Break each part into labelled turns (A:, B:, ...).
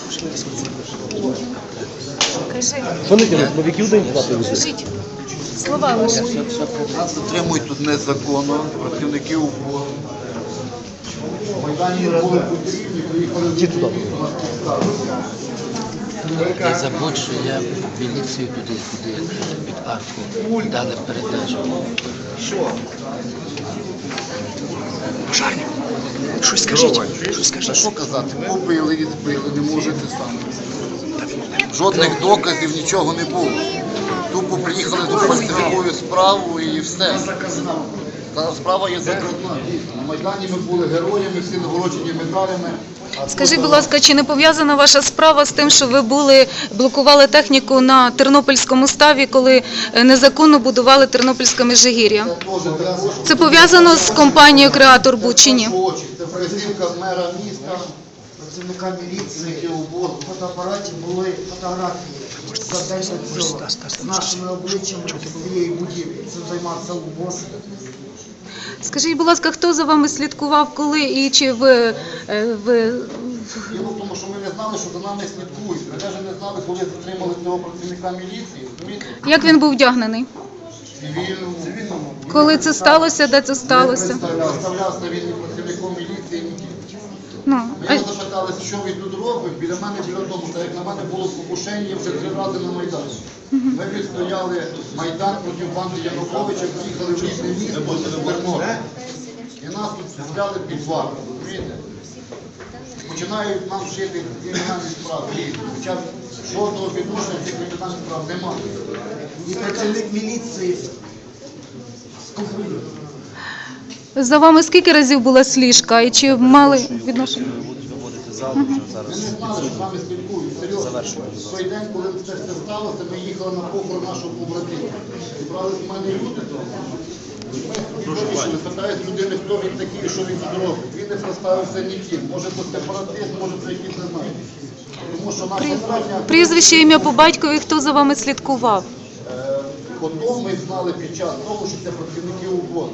A: Кажи.
B: Що не тягнуть? Новиків день плати везуть.
A: Кажіть. Слова лише.
C: Нас затримують тут незаконно, працівників УПО. Майдані були потрібні, приїхали
B: Ті туди.
D: Я забув, що я міліцію туди під арку дали передачу.
B: Пожарник. Щось скажіть. Щось
C: Та
B: скажіть.
C: що казати, побили і збили, не можете самі. Жодних доказів, нічого не було. Тупо приїхали до фальсифікують справу і все. Та справа є закрутна. На Майдані ми були героями, всі нагороджені медалями.
A: Скажіть, будь ласка, чи не пов'язана ваша справа з тим, що ви блокували техніку на Тернопільському ставі, коли незаконно будували Тернопільське Межигір'я? Це пов'язано з компанією «Креатор Буд» чи ні?
C: Це вказівка мера міста,
E: Працівника міліції
C: які УБО.
E: в фотоапараті були фотографії за день до цього з нашими обличчями цієї будівлі. Цим займався УБО.
A: Скажіть, будь ласка, хто за вами слідкував, коли і чи ви...
C: Діло в тому, що ми не знали, що за нами слідкують. Ми навіть не знали, коли затримали цього працівника міліції. Розумієте?
A: Як він був вдягнений?
C: Цивільному.
A: Коли це сталося, де це сталося?
C: Представлявся він не працівником міліції, ні.
A: Ну,
C: Ми його запитали, що він тут робить. Біля мене, біля дому, так як на мене було покушення вже 3 рази на Майдані. Ми відстояли Майдан проти банди Януковича, приїхали в різне місто, і нас тут взяли під варту. Розумієте? Починають нам вчити кримінальні справи. Хоча жодного відношення цих кримінальних справ немає.
E: І працівник міліції з контролю.
A: за вами скільки разів була сліжка і чи мали відношення?
C: Ми не знали, що з нами спілкують. Серйозно. В той день, коли це все сталося, ми їхали на похорон нашого побратима. Зібрали з мене люди. Ми вирішили, питають людини, хто він такий і що він тут робить. Він не представився ніким. Може це сепаратист, може це якийсь не знаю. Тому що наша справжня...
A: Прізвище, ім'я по батькові, хто за вами слідкував?
C: Потім ми знали під час того, що це працівники УБО.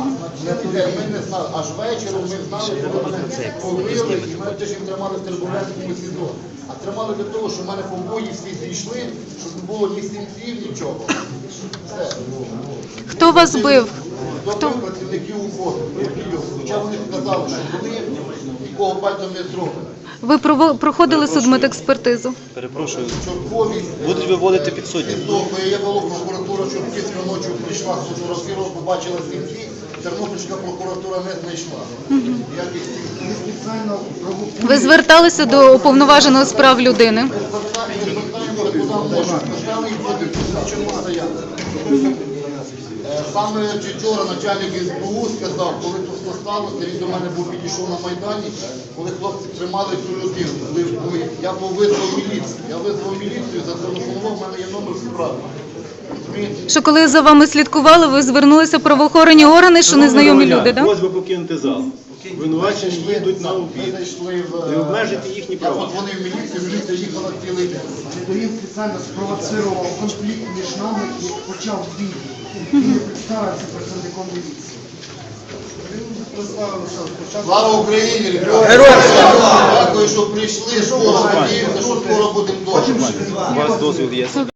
C: Ми не знали, аж вечором ми знали, коли мене побили, і мене теж їм тримали в Тербулянському СІЗО. А тримали для того, що в мене побої всі зійшли, щоб не було ні синців, нічого. Все.
A: Хто вас бив?
C: Хто бив працівників УБО? Хоча вони сказали, що вони нікого пальцем не зроблять.
A: Ви проходили судмедекспертизу?
B: Перепрошую.
C: Чорткові.
B: Будуть виводити підсудні.
C: Я була прокуратура, Чортківська ночі прийшла, сфотографувала, побачила синці. Тернопільська прокуратура не знайшла.
A: Ви зверталися до уповноваженого з прав людини?
C: Саме вчора начальник СБУ сказав, коли тут все сталося, він до мене був підійшов на Майдані, коли хлопці тримали цю людину. Я був визвав міліцію. Я визвав міліцію, зателефонував, в мене є номер справи.
A: Що коли за вами слідкували, ви звернулися в правоохоронні органи, що незнайомі люди, так?
F: Просьба покинути зал. Винувачені їдуть на обід. Не обмежити їхні
C: Я
F: права.
C: подзвонив в міліцію, міліція їхала цілий день.
E: Він спеціально спровоцирував конфлікт між нами і почав бій. Він не представився працівником міліції.
C: Слава Україні! Героям! Дякую, що прийшли. Скоро надіємося, що скоро будемо вдома.
F: У вас дозвіл є?